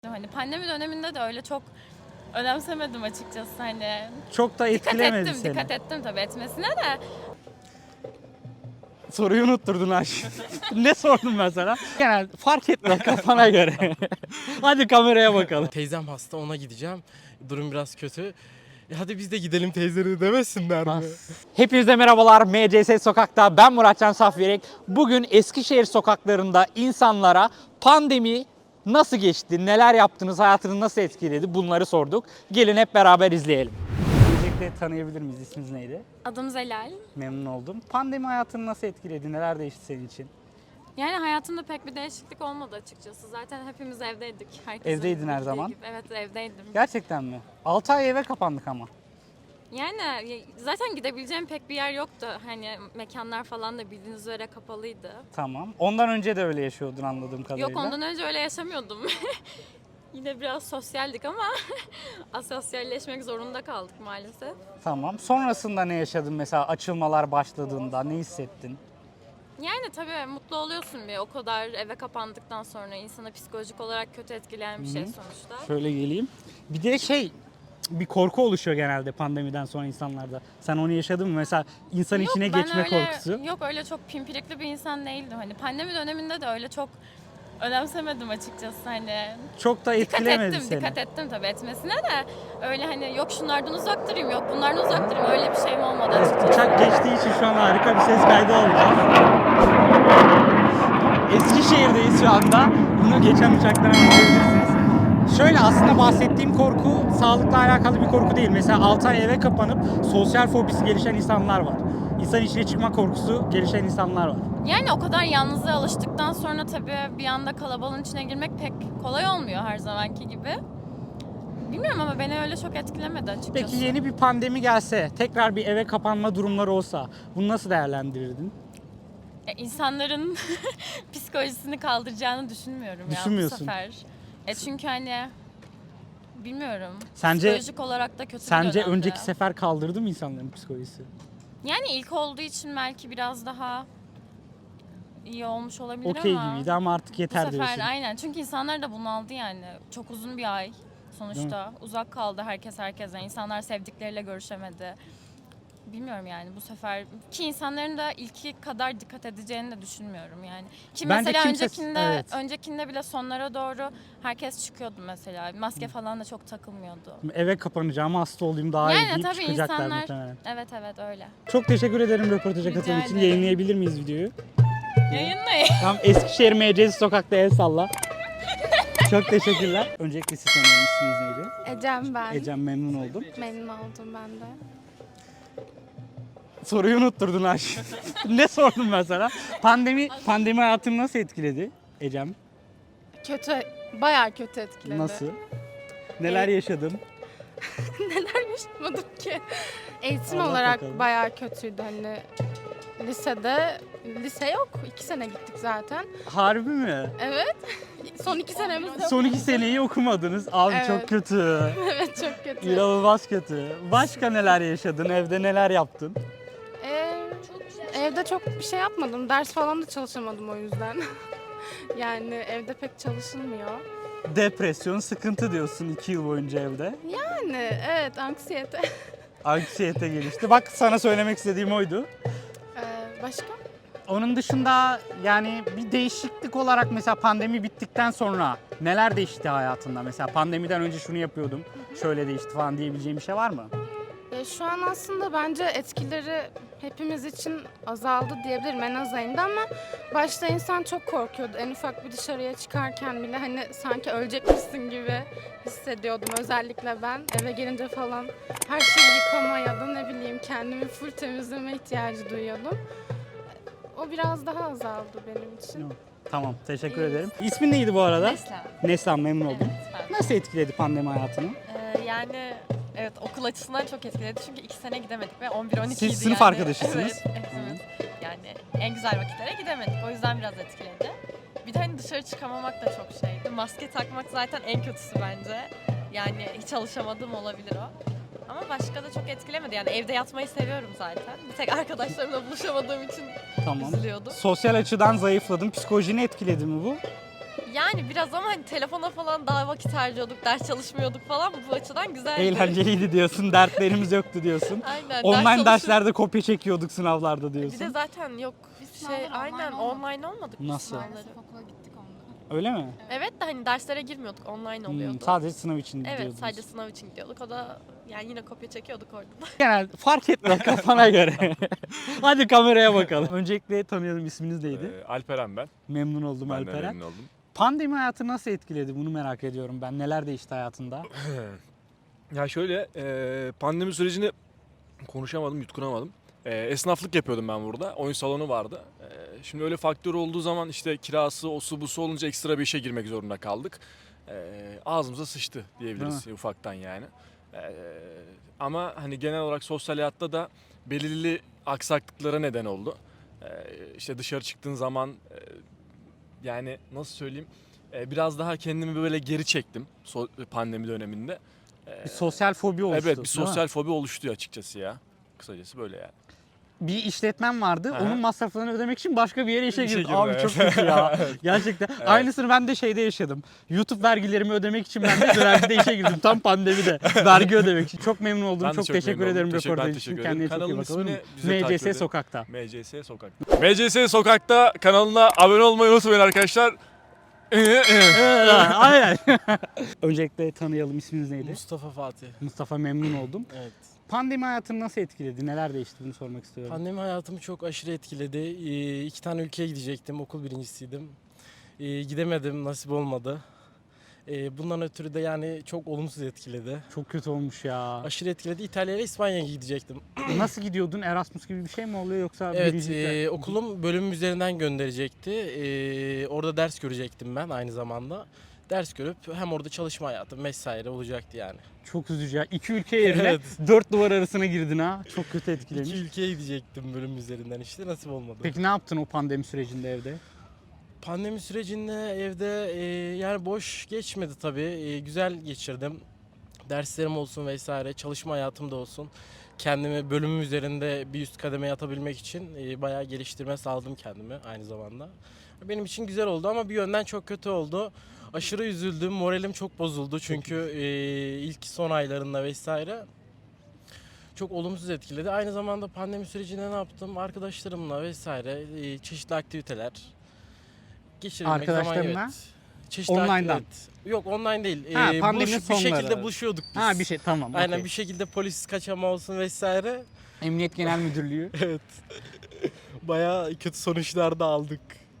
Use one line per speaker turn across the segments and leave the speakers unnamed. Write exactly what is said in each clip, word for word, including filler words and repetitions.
Hani pandemi döneminde de öyle çok önemsemedim açıkçası hani.
Çok da
Dikkat
etkilemedi
ettim,
seni.
dikkat ettim tabii etmesine de.
Soruyu unutturdun Aş. Ne sordum ben sana? Genel fark etmez kafana göre. Hadi kameraya bakalım.
Teyzem hasta, ona gideceğim. Durum biraz kötü. E hadi biz de gidelim teyzeleri demesinler mi?
Hepinize merhabalar. M C S Sokak'ta ben Muratcan Safyerek. Bugün Eskişehir sokaklarında insanlara pandemi nasıl geçti, neler yaptınız, hayatını nasıl etkiledi bunları sorduk. Gelin hep beraber izleyelim. Öncelikle tanıyabilir miyiz? İsminiz neydi?
Adım Zelal.
Memnun oldum. Pandemi hayatını nasıl etkiledi, neler değişti senin için?
Yani hayatımda pek bir değişiklik olmadı açıkçası. Zaten hepimiz evdeydik. Herkesin
Evdeydin her
bildiği
zaman.
gibi. Evet evdeydim.
Gerçekten mi? altı ay eve kapandık ama.
Yani zaten gidebileceğim pek bir yer yoktu. Hani mekanlar falan da bildiğiniz üzere kapalıydı.
Tamam. Ondan önce de öyle yaşıyordun anladığım kadarıyla.
Yok ondan önce öyle yaşamıyordum. Yine biraz sosyaldik ama asosyalleşmek zorunda kaldık maalesef.
Tamam. Sonrasında ne yaşadın mesela açılmalar başladığında ne hissettin?
Yani tabii mutlu oluyorsun bir o kadar eve kapandıktan sonra insana psikolojik olarak kötü etkileyen bir şey sonuçta.
Şöyle geleyim. Bir de şey bir korku oluşuyor genelde pandemiden sonra insanlarda. Sen onu yaşadın mı? Mesela insan
Yok,
içine
ben
geçme
öyle,
korkusu.
Yok öyle çok pimpirikli bir insan değildim. Hani pandemi döneminde de öyle çok önemsemedim açıkçası hani.
Çok da
Dikkat
etkilemedi
ettim,
seni.
dikkat ettim tabii etmesine de öyle hani yok şunlardan uzak durayım, yok bunlardan uzak durayım öyle bir şeyim olmadı açıkçası.
Uçak geçtiği için şu an harika bir ses kaydı olacak. Eskişehir'deyiz şu anda. Bunu geçen uçaktan anlayabilirsiniz. Şöyle aslında bahsettiğim korku sağlıkla alakalı bir korku değil. Mesela altı ay eve kapanıp sosyal fobisi gelişen insanlar var. İnsan içine çıkma korkusu gelişen insanlar var.
Yani o kadar yalnızlığa alıştıktan sonra tabii bir anda kalabalığın içine girmek pek kolay olmuyor her zamanki gibi. Bilmiyorum ama beni öyle çok etkilemedi açıkçası.
Peki yeni bir pandemi gelse, tekrar bir eve kapanma durumları olsa bunu nasıl değerlendirirdin?
E, insanların psikolojisini kaldıracağını düşünmüyorum ya bu
Düşünmüyorsun.
sefer. E çünkü hani bilmiyorum.
Sence-
psikolojik olarak da kötü bir
Sence
dönemdi.
önceki sefer kaldırdı mı insanların psikolojisi?
Yani ilk olduğu için belki biraz daha iyi olmuş olabilir
Okey
ama
gibiydi ama artık
bu
yeter
sefer
diyorsun.
aynen. Çünkü insanlar da bunaldı yani. Çok uzun bir ay sonuçta. Uzak kaldı herkes herkese. İnsanlar sevdikleriyle görüşemedi. Bilmiyorum yani bu sefer ki insanların da ilki kadar dikkat edeceğini de düşünmüyorum yani. Ki
Bence
mesela
kimse-
öncekinde
evet.
öncekinde bile sonlara doğru herkes çıkıyordu mesela. Maske falan da çok takılmıyordu.
Eve kapanacağım, hasta olayım daha iyi
Yani
deyip
tabii
çıkacaklar
insanlar
muhtemelen.
evet evet öyle.
Çok teşekkür ederim röportaja
Rica
katıldığın için.
ederim.
Yayınlayabilir miyiz videoyu?
Yayınlayın.
Tam Eskişehir M C S Sokak'ta el salla. Çok teşekkürler. Öncelikle siz tanıyorum. İsminiz neydi?
Ecem ben.
Ecem, memnun oldum.
Memnun oldum ben de.
Soruyu unutturdun Aş. Ne sordum ben sana? Pandemi pandemi hayatını nasıl etkiledi Ecem?
Kötü, bayağı kötü etkiledi.
Nasıl? Neler
Ee,
yaşadın?
Neler yaşamadım ki? Eğitim
Anlat
olarak
bakalım.
bayağı kötüydü hani. Lisede, lise yok. iki sene gittik zaten.
Harbi mi?
Evet. Son iki senemiz yok.
Son iki seneyi okumadınız. Abi
Evet.
çok kötü.
Evet çok kötü.
İnanılmaz kötü. Başka neler yaşadın? Evde neler yaptın?
Ee, evde çok bir şey yapmadım. Ders falan da çalışamadım o yüzden. Yani evde pek çalışılmıyor.
Depresyon, sıkıntı diyorsun iki yıl boyunca evde.
Yani evet anksiyete.
Anksiyete gelişti. Bak sana söylemek istediğim oydu.
Ee, başka?
Onun dışında yani bir değişiklik olarak mesela pandemi bittikten sonra neler değişti hayatında? Mesela pandemiden önce şunu yapıyordum, şöyle değişti falan diyebileceğim bir şey var mı?
Ya şu an aslında bence etkileri hepimiz için azaldı diyebilirim en az ayında ama başta insan çok korkuyordu. En ufak bir dışarıya çıkarken bile hani sanki ölecekmişsin gibi hissediyordum. Özellikle ben eve gelince falan her şeyi yıkama ya da ne bileyim kendimi full temizleme ihtiyacı duyuyordum. O biraz daha azaldı benim için.
Yok. Tamam, teşekkür ederim. İsmin neydi bu arada?
Neslihan.
Neslihan, memnun oldum.
Evet, ben.
Nasıl etkiledi pandemi hayatını?
Ee, yani evet okul açısından çok etkiledi çünkü iki sene gidemedik ve on bir on iki idi
Siz sınıf
yani.
arkadaşısınız.
Evet hepimiz. Yani en güzel vakitlere gidemedik o yüzden biraz etkiledi. Bir de hani dışarı çıkamamak da çok şeydi. Maske takmak zaten en kötüsü bence. Yani hiç alışamadığım olabilir o. Ama başka da çok etkilemedi yani evde yatmayı seviyorum zaten. Bir tek arkadaşlarımla buluşamadığım için
Tamam.
üzülüyordum.
Sosyal açıdan zayıfladın. Psikolojini etkiledi mi bu?
Yani biraz ama hani telefona falan daha vakit harcıyorduk, ders çalışmıyorduk falan, bu açıdan güzeldi.
Eğlenceliydi diyorsun, dertlerimiz yoktu diyorsun.
Aynen.
Online
ders çalışıp-
derslerde kopya çekiyorduk sınavlarda
Bir de
diyorsun.
zaten yok hiçbir şey,
Sınavlar online
aynen
olmadı.
online olmadık biz
Nasıl?
sınavları.
Maalesef okula gittik onunla.
Öyle mi?
Evet de hani derslere girmiyorduk, online oluyordu.
Hmm, sadece sınav için
Evet,
gidiyordunuz.
sadece sınav için gidiyorduk. O da yani yine kopya çekiyorduk orada.
Genel fark etmez kafana göre. Hadi kameraya bakalım. Öncelikle tanıyalım, isminiz neydi?
Ee, Alperen ben.
Memnun oldum
Ben de
Alperen.
memnun oldum.
Pandemi hayatı nasıl etkiledi? Bunu merak ediyorum ben. Neler değişti hayatında?
Ya şöyle e, pandemi sürecini konuşamadım, yutkunamadım. E, esnaflık yapıyordum ben burada. Oyun salonu vardı. E, şimdi öyle faktör olduğu zaman işte kirası, osu busu olunca ekstra bir işe girmek zorunda kaldık. E, ağzımıza sıçtı diyebiliriz ufaktan yani. E, ama hani genel olarak sosyal hayatta da belirli aksaklıklara neden oldu. E, işte dışarı çıktığın zaman e, yani nasıl söyleyeyim, e, biraz daha kendimi böyle geri çektim so- pandemi döneminde. E,
Bir sosyal fobi oluştu.
evet bir
değil mi?
sosyal fobi oluştu açıkçası ya. Kısacası böyle yani.
Bir işletmem vardı.
Aha.
Onun masraflarını ödemek için başka bir yere işe
İşe
girdim.
girdi,
Abi
evet.
çok kötü ya. Gerçekten. Aynısını ben de şeyde yaşadım. YouTube vergilerimi ödemek için ben de vergide işe girdim. Tam pandemide. Vergi ödemek için. Çok memnun oldum.
Ben de
çok,
çok
teşekkür
memnun
ederim
oldum. Teşekkür- ben
röportaj için.
teşekkür
Kendine
ederim.
çok iyi
Kanalın
bak, olur mu?
ismini bize takip
M C S
edin.
Sokak'ta.
M C S Sokak'ta. M C S Sokak'ta kanalına abone olmayı unutmayın arkadaşlar.
Aynen. Öncelikle tanıyalım. İsminiz neydi?
Mustafa Fatih.
Mustafa, memnun oldum.
Evet.
Pandemi hayatını nasıl etkiledi? Neler değişti? Bunu sormak istiyorum.
Pandemi hayatımı çok aşırı etkiledi. Ee, iki tane ülkeye gidecektim. Okul birincisiydim. Ee, gidemedim. Nasip olmadı. Ee, bundan ötürü de yani çok olumsuz etkiledi.
Çok kötü olmuş ya.
Aşırı etkiledi. İtalya'ya ve İspanya'ya gidecektim.
Nasıl gidiyordun? Erasmus gibi bir şey mi oluyor yoksa
Evet,
birincilikle-
e, okulum bölüm üzerinden gönderecekti. E, orada ders görecektim ben aynı zamanda. Ders görüp hem orada çalışma hayatım vesaire olacaktı yani.
Çok üzücü ya. İki ülke yerine
Evet.
dört duvar arasına girdin ha. Çok kötü etkilemiş.
İki ülkeye gidecektim bölüm üzerinden işte nasip olmadı.
Peki ne yaptın o pandemi sürecinde evde?
Pandemi sürecinde evde e, yani boş geçmedi tabii. E, güzel geçirdim. Derslerim olsun vesaire, çalışma hayatım da olsun. Kendimi bölümüm üzerinde bir üst kademeye atabilmek için e, bayağı geliştirme sağladım kendimi aynı zamanda. Benim için güzel oldu ama bir yönden çok kötü oldu. Aşırı üzüldüm, moralim çok bozuldu çünkü e, ilk son aylarında vesaire çok olumsuz etkiledi. Aynı zamanda pandemi sürecinde ne yaptım? Arkadaşlarımla vesaire e, çeşitli aktiviteler geçirebilmek zaman
Arkadaşlarınla?
evet. Çeşitli
Online'dan?
aktivite- Yok online değil.
Ha,
Ee,
pandeminin
buluş- bir
sonları.
şekilde buluşuyorduk biz.
Ha bir şey tamam.
Aynen
okey.
bir şekilde polis kaçama olsun vesaire.
Emniyet Genel Müdürlüğü.
Evet. Bayağı kötü sonuçlar da aldık.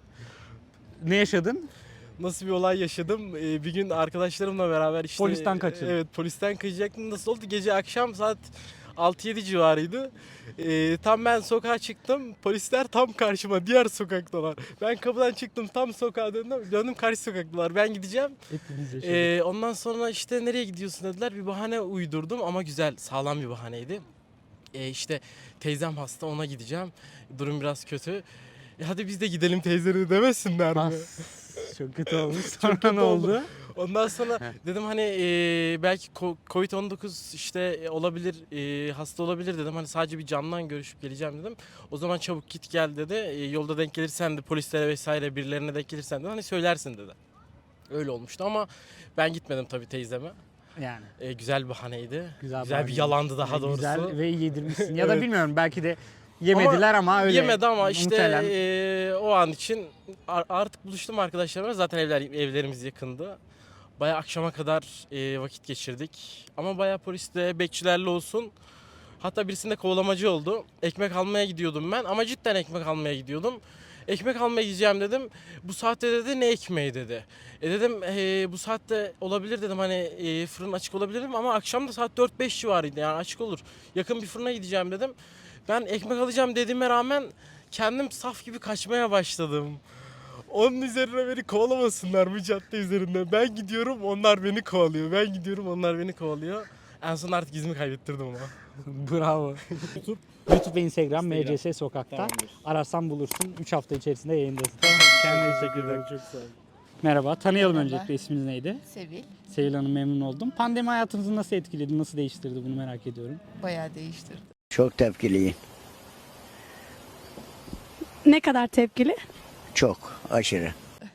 Ne yaşadın?
Nasıl bir olay yaşadım? Ee, bir gün arkadaşlarımla beraber işte...
Polisten kaçırdın.
Evet polisten kaçacaktım. Nasıl oldu? Gece akşam saat altı yedi civarıydı. Ee, tam ben sokağa çıktım. Polisler tam karşıma diğer sokaktalar. Ben kapıdan çıktım tam sokağa döndüm. Döndüm karşı sokaktalar. Ben gideceğim.
Hepimiz yaşadık.
Ee, ondan sonra işte nereye gidiyorsun dediler. Bir bahane uydurdum ama güzel, sağlam bir bahaneydi. Ee, işte teyzem hasta ona gideceğim. Durum biraz kötü. E, hadi biz de gidelim teyzeleri demesinler mi?
Bas. Çok kötü olmuş. Sonra
kötü
ne
oldu.
oldu?
Ondan sonra dedim hani e, belki covid on dokuz işte e, olabilir, e, hasta olabilir dedim. Hani sadece bir camdan görüşüp geleceğim dedim. O zaman çabuk git gel dedi. E, yolda denk gelirsen de polislere vesaire birilerine denk gelirsen de hani söylersin dedi. Öyle olmuştu ama ben gitmedim tabii teyzeme.
Yani.
E, güzel bir bahaneydi.
Güzel,
Güzel, bir
bahane.
yalandı daha
Yani
doğrusu.
Güzel ve yedirmişsin. Ya da
Evet.
bilmiyorum belki de yemediler ama, öyle.
Yemedi ama işte
Muhtemelen.
e, o an için ar- artık buluştum arkadaşlarımla. Zaten evler evlerimiz yakındı. Bayağı akşama kadar e, vakit geçirdik. Ama bayağı polisle, bekçilerle olsun. Hatta birisinde kovalamacı oldu. Ekmek almaya gidiyordum ben ama cidden ekmek almaya gidiyordum. Ekmek almaya gideceğim dedim. Bu saatte dedi ne ekmeği dedi. E dedim e, bu saatte olabilir dedim hani e, fırın açık olabilir mi ama akşam da saat dört beş civarıydı yani açık olur. Yakın bir fırına gideceğim dedim. Ben ekmek alacağım dediğime rağmen kendim saf gibi kaçmaya başladım. Onun üzerine beni kovalamasınlar bu cadde üzerinde. Ben gidiyorum onlar beni kovalıyor. Ben gidiyorum onlar beni kovalıyor. En son artık izimi kaybettirdim ama.
Bravo. YouTube ve Instagram M C S Sokak'ta.
Tamamdır.
Ararsan bulursun. üç hafta içerisinde yayındasın. Kendine teşekkür ederim.
Çok sağ olun.
Merhaba. Tanıyalım
Merhaba.
öncelikle. İsminiz neydi?
Sevil
Sevil Hanım, memnun oldum. Pandemi hayatınızı nasıl etkiledi? Nasıl değiştirdi? Bunu merak ediyorum.
bayağı değiştirdi.
Çok tepkiliyim.
Ne kadar tepkili?
Çok aşırı.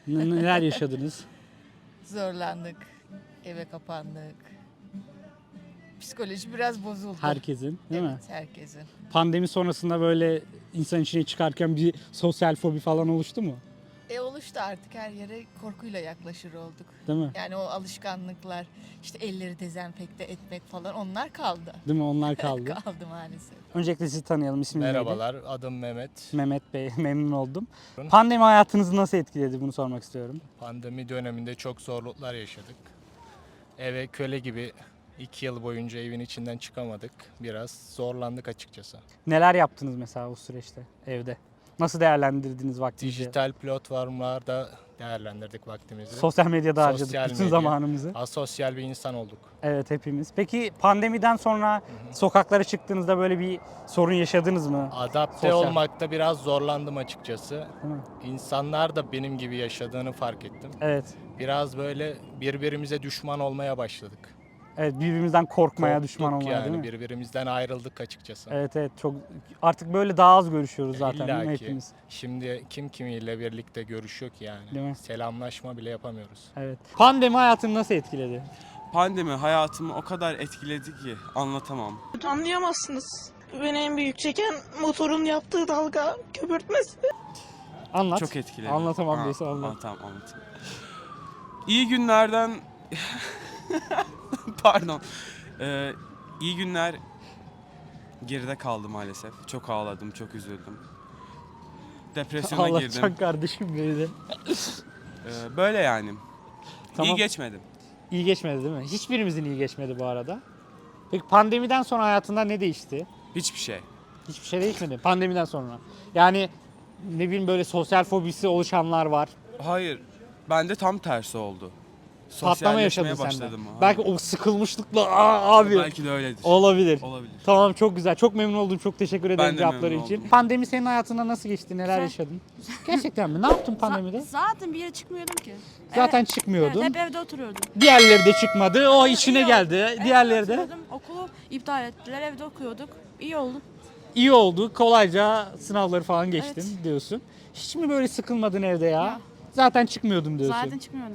N- neler yaşadınız?
Zorlandık. Eve kapandık. Psikoloji biraz bozuldu.
Herkesin, değil mi?
Evet, herkesin.
Pandemi sonrasında böyle insan içine çıkarken bir sosyal fobi falan oluştu mu?
E oluştu artık, her yere korkuyla yaklaşır olduk.
Değil mi?
Yani o alışkanlıklar, işte elleri dezenfekte etmek falan, onlar kaldı.
Değil mi? Onlar kaldı.
kaldı maalesef.
Öncelikle sizi tanıyalım. İsminiz neydi?
Merhabalar, adım Mehmet.
Mehmet Bey, memnun oldum. Pandemi hayatınızı nasıl etkiledi? Bunu sormak istiyorum.
Pandemi döneminde çok zorluklar yaşadık. Eve köle gibi iki yıl boyunca evin içinden çıkamadık. Biraz zorlandık açıkçası.
Neler yaptınız mesela o süreçte evde? Nasıl değerlendirdiniz vaktinizi?
Dijital platformlarda değerlendirdik vaktimizi.
Sosyal medyada harcadık
Sosyal
bütün
medya.
zamanımızı.
Asosyal bir insan olduk.
Evet, hepimiz. Peki pandemiden sonra sokaklara çıktığınızda böyle bir sorun yaşadınız mı?
Adapte
Sosyal.
olmakta biraz zorlandım açıkçası.
Değil mi?
İnsanlar da benim gibi yaşadığını fark ettim.
Evet.
Biraz böyle birbirimize düşman olmaya başladık.
Evet, birbirimizden korkmaya,
Korktuk
düşman olmaya,
yani,
değil mi?
birbirimizden ayrıldık açıkçası.
Evet evet, çok artık böyle daha az görüşüyoruz zaten değil mi
İlla ki.
hepimiz?
Şimdi kim kimiyle birlikte görüşüyor ki yani.
Değil mi?
Selamlaşma bile yapamıyoruz.
Evet. Pandemi hayatını nasıl etkiledi?
Pandemi hayatımı o kadar etkiledi ki anlatamam.
Anlayamazsınız. Beni en büyük çeken motorun yaptığı dalga köpürtmesi.
Anlat.
Çok etkiledi.
Anlatamam
Ha,
diyorsa anlat.
Anlatamam, anlatayım. İyi günlerden... Pardon. Ee, iyi günler geride kaldı maalesef. Çok ağladım, çok üzüldüm. Depresyona girdim.
Ağlatacaksın kardeşim beni de.
Ee, böyle yani.
Tamam.
İyi geçmedi.
İyi geçmedi değil mi? Hiçbirimizin iyi geçmedi bu arada. Peki pandemiden sonra hayatında ne değişti?
Hiçbir şey.
Hiçbir şey değişmedi pandemiden sonra. Yani ne bileyim, böyle sosyal fobisi oluşanlar var.
Hayır. Bende tam tersi oldu.
Patlama yaşadın
Sosyalleşmeye
sen de.
başladım. Ha.
Belki o sıkılmışlıkla "Aa, abi.
Belki de öyledir.
Olabilir.
Olabilir.
Tamam, çok güzel. Çok memnun oldum. Çok teşekkür ederim
Ben de
cevapları
memnun
için.
oldum.
Pandemi senin hayatında nasıl geçti? Neler
Güzel.
yaşadın? Gerçekten mi? Ne yaptın pandemide?
Zaten bir yere çıkmıyordum ki.
Zaten
Evet,
çıkmıyordun.
evet, hep evde oturuyordum.
Diğerleri de çıkmadı. O işine
İyi oldu.
geldi.
Evde
Diğerleri de
oturuyordum, okulu iptal ettiler, evde okuyorduk. İyi oldu.
iyi oldu. Kolayca sınavları falan geçtin
Evet.
diyorsun. Hiç mi böyle sıkılmadın evde ya?
Ya.
Zaten çıkmıyordum diyorsun.
Zaten çıkmıyordum.